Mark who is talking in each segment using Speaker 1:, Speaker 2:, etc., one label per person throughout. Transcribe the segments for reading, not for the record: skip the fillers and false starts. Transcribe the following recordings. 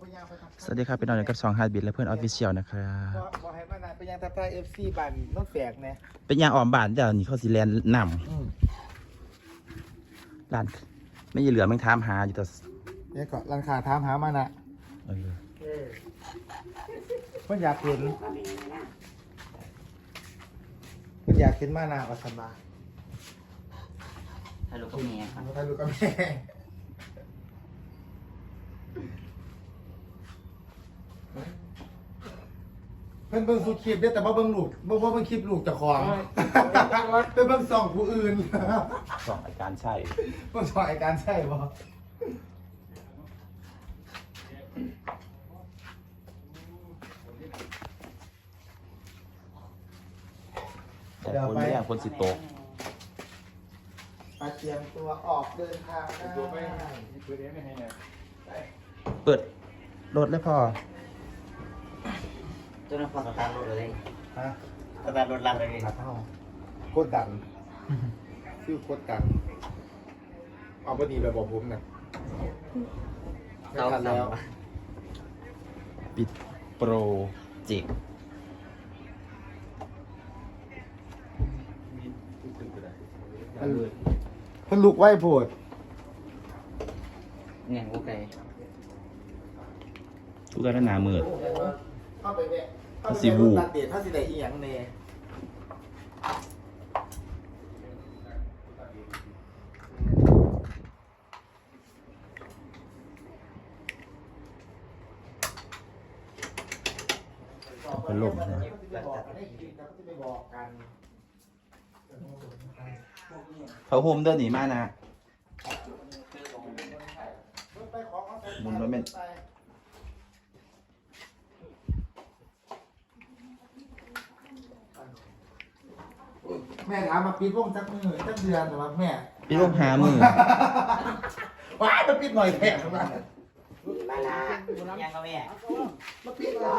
Speaker 1: สวัสดีครับเป็นน้องกับ2 Heartbeat และเพื่อนออฟฟิเชียลนะครับ
Speaker 2: บอกให้มานานเป็นยังทับทายFC บันน้องแฝกเนี่ย
Speaker 1: เป็นยางอ่อมบานเดี๋ยวนี้เขาสิแลนนำร้านไม่ยีเหลือแม่งถามหาอยู่แต่
Speaker 2: เนี่ยก็รังคาถามหามานะเพิ่นอยากเห็นมานะวัสมา
Speaker 3: ฮัลโหลก็แม่ครับ
Speaker 2: ถ่ายรูปกับแม่เพิ่นเบิ่งสุดคลิปเด้อแต่ว่าเบิ่งลูกเบิ่งคลิปลูกเจ้าของเพิ่นเบิ่งส่องผู้อื่น
Speaker 1: 2อาการใช่
Speaker 2: เบิ่งส่องไอ้การใช่บ่
Speaker 1: แต่คนไม่คนสิโตก
Speaker 2: มาเตรียมตัวออกเดินทางได้
Speaker 1: เปิดรถเลยพอ
Speaker 3: ตัวนั้นพอสตาร์ทรถเลย
Speaker 2: ฮะ
Speaker 3: สตาร์ทรถลังเลย
Speaker 2: ขาเท่าโคตรดันชื่อโคตรดันเอาพอดีแบบบอกผมนะไม่ทันแล้ว
Speaker 1: ปิดโปรเจกต์
Speaker 2: เพิ่นลุกไหวโพด
Speaker 3: เงี้ยโอเค
Speaker 1: ทุกการหนามืด
Speaker 2: เข้าไปเนี่ย
Speaker 1: สิวู
Speaker 2: ตัดเดทถ้าสิได้อีหยังเน่
Speaker 1: เป็นลมนะเขาโฮมเดินหนีมานะมุนรถเมน
Speaker 2: แม่ถามมาปิดวงจักมือจักเดือนหรือว่าแม่
Speaker 1: พี่ลงหามือ
Speaker 2: ว้ายมาปิดหน่อยแถมมา
Speaker 3: ยังก็แม่
Speaker 2: มาปิดหน่อย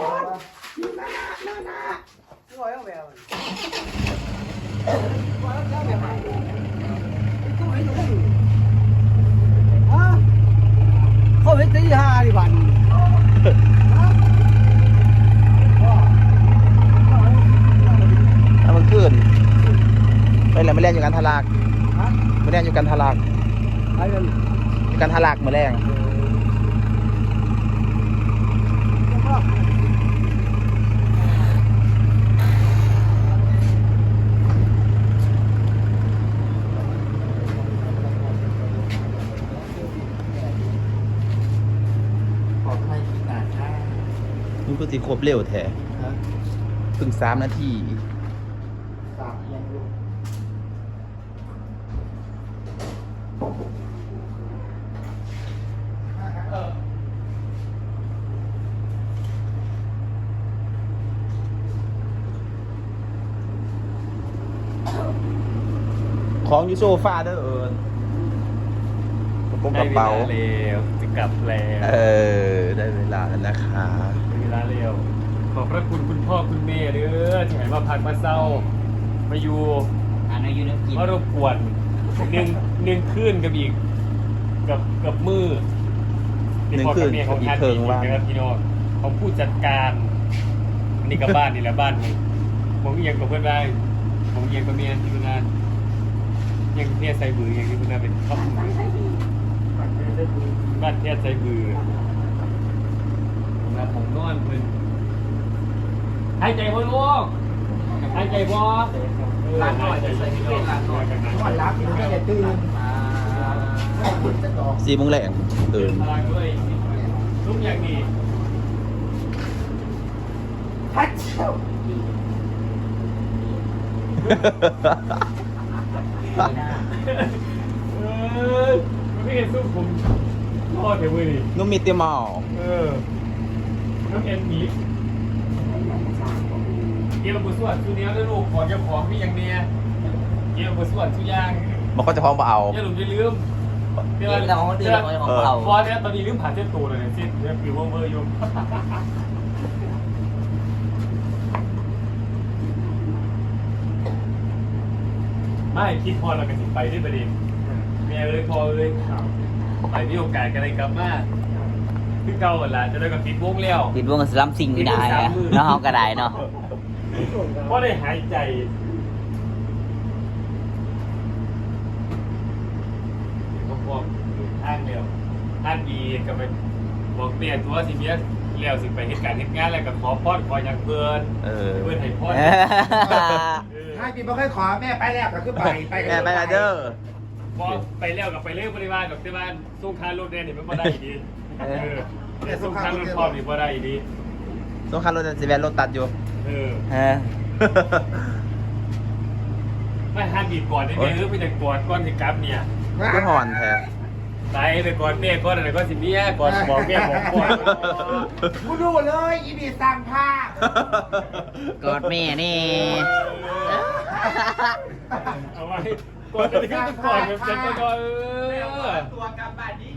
Speaker 4: เขาไปตีห้าดิบัน
Speaker 1: ถ้ามันขึ้นไปแล้วไม่แรงอยู่กันทลากไม่แรงอยู่กันทลาก
Speaker 4: ไอ้กัน
Speaker 1: อยู่กันทลากมาแรง
Speaker 2: ขอให้คิดนานค่ะ
Speaker 1: นี่คือสิครบเร็วแท้เพิ่ง3 นาที
Speaker 2: สามยังลูก
Speaker 1: ของอยู่โซฟาเด้อกระโปรงกระเป๋า
Speaker 5: ได้เวลาเร็วจะกลับแล้ว
Speaker 1: ได้เวลาแล้วนะคะ
Speaker 5: ได้เวลาเร็วขอบพระคุณคุณพ่อคุณแม่เด้อที่ให้มาพักมาเศร้ามาอยู่
Speaker 3: อ่านอายุน้ำกิน
Speaker 5: มารบกวนหนึ่งคืนกับอีกกับมือที่พ่อกับแม่ของท่านนะครับพี่น้องของผู้จัดการอันนี้กับบ้านนี่แหละบ้านผมเอียงกับเพื่อนได้ผมเอียงกับเมียที่เพื่อนได้ยังเทียใส่บือยังที่เพื่อนเป็นครอบบ้านเทียใส่บือผมนอนเพื่อนหายใจบ่ลูกหายใจบ่ล้างหน่อยจะใส่ที่เป็นล้างหน่อยกันนะ
Speaker 2: ก่อนรับอยู่ไม่ได้ตื่นไม่ตื่นจะดอก
Speaker 1: 4 โมงแรงตื่น
Speaker 5: ล้างด้วยทุกอย่างดี
Speaker 2: ฮัทเชี่ยว
Speaker 5: ไม่เห็นสู้ผมพ่อเดี๋ยวมือดิ
Speaker 1: นุ่มมีเตียมอ
Speaker 5: น้ำเอ็นหมีเกี่ยวกับส่วนชูเนี้ยแล้วลูกขอเจ้าของพี่อย่างเนี้ยเกี่ยวกับส่วนชูย่าง
Speaker 1: มันก็จะพร้อมเอา
Speaker 5: อย่าลืมอย่าลืม
Speaker 3: เรื่องของคนอื่นของของเรา
Speaker 5: พอเนี่ยตอนนี้ลืมผ่านเส้นตัวเลยสิ้นเรื่องฟิวเวอร์ยุ่งไม่คิดพอเรากันสิไปที่ประเด็นเมียเลยพอเลยไปที่โอกาสกันเลยกลับมาคือเก่าหมดละจะได้กับปิดวงแล้ว
Speaker 3: ปิดวงกับสลัมซิงไม่ได้อะเนาะเฮาก็ได้เนาะ
Speaker 5: เพราะได้หายใจก็พวกทางเร็วทางดีก็ไปบอกเปลี่ยนตัวสิเมียเลี้ยวสิไปเหตุการณ์เหตุงานอะไรกับขอพอดขออย่างเพื่อนเพื่อนให้พอด
Speaker 2: ให้พี่บ่เคยขอแม่ไปแล้วก็คือไป
Speaker 1: แม่ไปละเด้อ
Speaker 5: พอไปเลี้ยวกับไปเลี้ยวบริวารกับที่บ้านสู้คารถเนี่ยมันไม่ได้ดีสู้คารถพร้อมนี่ไม่ได้ดี
Speaker 1: สงครามรถสิแวนรถตัดอยู่
Speaker 5: เออ
Speaker 3: เออ
Speaker 5: ไม่ห้ามบีบก่อนได้ไหมหรือไม่จะก่อนก้อนสิกับเนี่ย
Speaker 1: ก็ห่อนแท้
Speaker 5: ตายไปก่อนแม่ก่อนอะไรก็สิเมียก่อนบอกแม่บอกก่อน
Speaker 2: กูดูเลยอีบีสร้างภาพ
Speaker 3: กอดแม่นี่
Speaker 5: เอาไว้ก่อนจะขึ้นก่อนแบบจะก่อนตัวกลับบ้านดี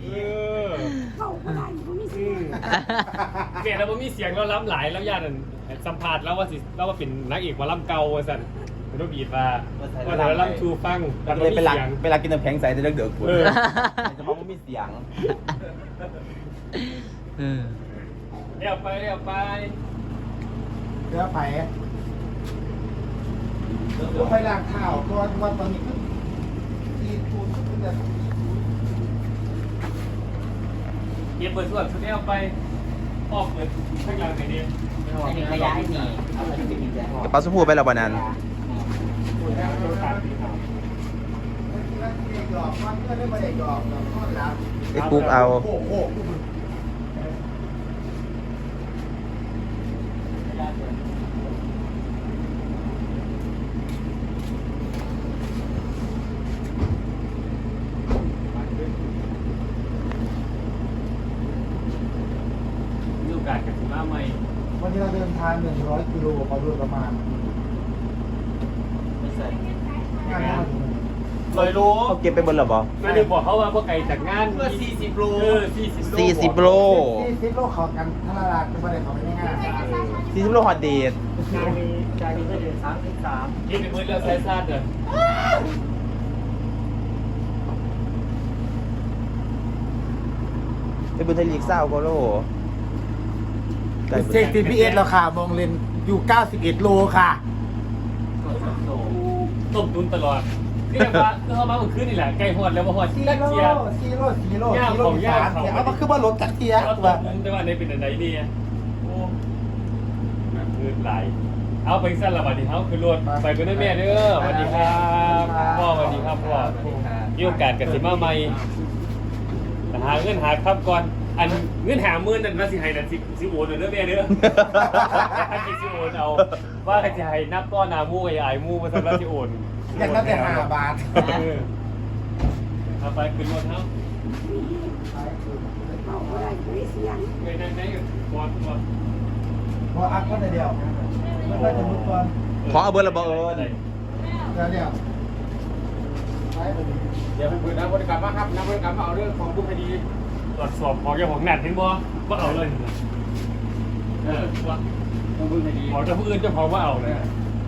Speaker 5: เมียเราไม่มีเสียงเราล้ำหลายแล้วญาติสัมผัสแล้วว่าสิแล้วว่าเป็นนักเอกมาล้ำเก่าสั่นไม่ต้องบีบมาว่าเราล้ำชูฟัง
Speaker 1: เลยเป็นหลักเป็นหลักกินน้ำแข็งใสจะเลิกเดือดคุณจะมองว่ามีเสียง
Speaker 5: เรียกไปเรียกไป
Speaker 2: เดี๋ยวไปไปล้างเท้าก่อนวันตอนนี้คือที่ทูนก็จะ
Speaker 5: เย็บเปิดส่วนชุดนี้เอาไปออกเปิดข้างหลังไหนดี
Speaker 3: ไม่มีขยะให้นี่เอาไปเป็นขยะ
Speaker 1: กระเป๋าสมพูไปแล้ววันนั้น
Speaker 2: หยอกมันก็ได้มาได้หยอกแล้วก็รับ
Speaker 1: ไอ้กุ๊กเอา
Speaker 2: โอ้โห
Speaker 5: มีโอกาสกับสิมาใหม่
Speaker 2: วันนี้เราเดินทาง100 กิโลพอโดยประมาณ
Speaker 3: ไม่ใส่
Speaker 2: งาน
Speaker 1: เลยรู้เขาเก็บไปบนหรอบอ
Speaker 5: ไม่ได้บอกเขาว่าพวกไก่จากงานเพื่อ40 โล
Speaker 1: 40 โล
Speaker 2: 40 โลขอกันทาราลาคือประเด็นของมันง่าย
Speaker 1: 40 โลฮอตเดท
Speaker 4: จากนี้ก็เดือน33
Speaker 5: กินเป็นมื้อแล้วใส่ซาดเลย
Speaker 1: ไปบนไทยลีกเศร้าโกโล
Speaker 2: เซ็ก GPS แล้วค่ะมองเลนอยู่ 91 โลค่ะ
Speaker 5: ต้มตุนตลอดเรียกว่าเขามาเมื่อคืนนี่แหละไก่หอดแล้วมาหอด
Speaker 2: 4
Speaker 5: ตัก
Speaker 2: โล
Speaker 5: เกียร์
Speaker 2: 4 โล4 โล4 โลอีสานเนี่ยเอามาคือว่ารถตักเทีย
Speaker 5: เขา
Speaker 2: แบ
Speaker 5: ต้ม
Speaker 2: บ
Speaker 5: ตุนแต่ว่าในเป็นอะไรดีโอ้คืนไหลเอาไปสั้นละวันนี้เขาคือรถไปกันด้วยแม่เด้อสวัสดีครับพ่อสวัสดีครับพ่อมีโอกาสกับสิมาใหม่หาเงินหาครับก่อนอันเงินหามื่นนั่นว่าสิให้นั่นสิโอนเด้อแม่เด้อสิโอนเอาว่าสิให้นับต้อนนามูกับยายมูมาสักว่าสิโอน
Speaker 2: อย่างนั้นแต่5 บาท
Speaker 5: เอาไปขึ้นรถเนาะเงยนั่งอยู่บอล
Speaker 2: พออัพก็ได้เดียวแล้วก็จะมุดก่อน
Speaker 1: ขอเอาเบอร์ละบอเอิญ
Speaker 2: แล้วเนี่ย
Speaker 5: เดี๋ยวไปเปิดนะบริการมาครับนะบริการมาเอาเรื่องของผู้คดีตรวจสอบของเจ้าของหนักเห็นบ่ว่าเอาเลยว่าผู้คดีของเจ้าผู้อื่นเจ้าของว่าเอาเลย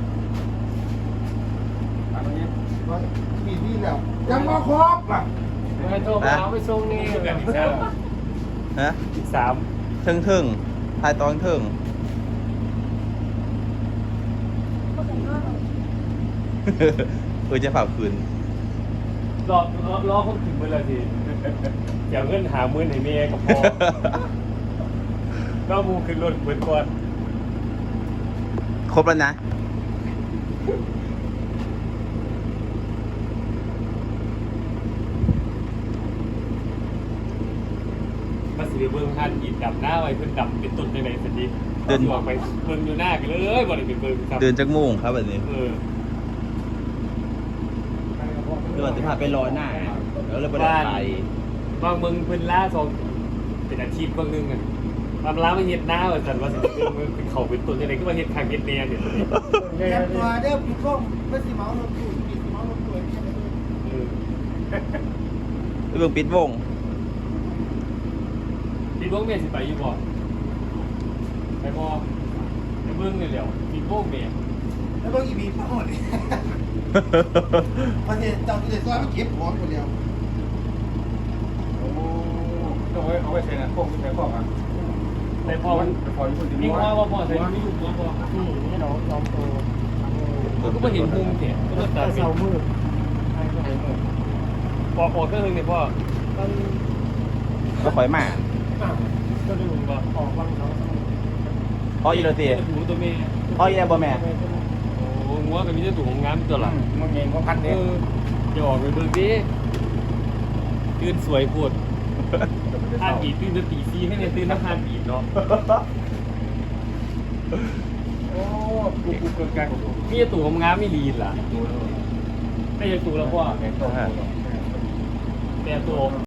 Speaker 2: มีนี่แล้วยังมาครบอ่ะ
Speaker 5: ไม่โทรมาเอาไปส่งนี่กันอีกแล้ว
Speaker 1: ฮะ
Speaker 5: อีก3
Speaker 1: ทึ่งทายตองทึ่ง จะเผาคืน
Speaker 5: รอคนถึงเมื่อไรสิอย่าเงินหามื่นให้เมียกับพอก็มูขึ้นรถเหมือนก่อน
Speaker 1: ครบแล้วนะ
Speaker 5: มาสิเบิ่งท่านอีดดับหน้าไว้เพิ่นดับเป็นตุ่นยังไงสันดีเดินออกไปเบิ่งอยู่หน้ากันเลยบ่ได้ไปเบิ่งครับ
Speaker 1: เดินจากโมุ่งครับแบบนี้
Speaker 5: เออ
Speaker 1: เดินจะพาไปรอหน้าแล้วเลยไปได้ไป
Speaker 5: บางเบิ่งเพิ่นล่าสองเป็นอาชีพบางนึงอ่ะบางร้านมาเฮ็ดหน้าว่าซั่นว่าสิเบิ่งเป็นเขาเป็นตุ่นยังไงก็มาเฮ็ดข้างเฮ็ดแน่เนี่ย
Speaker 2: เตรียมตัวเด้อพี่ก้มเพื่อสิเมาลงตู้ปิดเมาลงตู้เนี่ย
Speaker 5: เออ
Speaker 1: ไปเบิ่งปิดวง
Speaker 5: พี่เบิ่งแม่สิไปอยู่บ่ไปบ่ไปเบิ่งนี่แหล้วพี่โบ้แม่
Speaker 2: แล้วก็อีบีพ่อเนี่ยประเทศเจ้าที่ได้ซอยมาเก็บของคนเดียว
Speaker 5: โอ้โต
Speaker 2: เอาไว้ใส่นะพวกใส่พวกอ่ะ
Speaker 5: แต่พอมัน
Speaker 2: พออยู่คน
Speaker 5: มีว่าพอใส่ไม่อยู่พอ
Speaker 4: นี่น้องโต
Speaker 5: ก็ไม่เห็นมุมเสียก็ต้องตัด
Speaker 4: เสามืด
Speaker 5: พอเครื่องนึงเนี่ยพ่อ
Speaker 4: มัน
Speaker 1: ก็คอยมา
Speaker 5: ก็ดูว่า
Speaker 4: ออกวังเขา
Speaker 1: พ่ออีโรตี
Speaker 5: ถูตัวเมย์
Speaker 1: พ่ออีแลบ่แม่
Speaker 5: โอ้งัวก็มีแต่ถูของงามตัวละ
Speaker 2: มันเองก็พัน
Speaker 5: เอ
Speaker 2: เนี่ย
Speaker 5: อจะออกไปเบิ่งดิตื่นสวยปวดท่านบีตื่นจะตีซีให้เนี่ยตื่นน้ำทานบีเนาะ
Speaker 2: โอ้กูเกินการของผม
Speaker 5: มีตู่ของงามไม่ลีนล่ะไม่ใช่ตู่แล้วพ่อแต่ตัว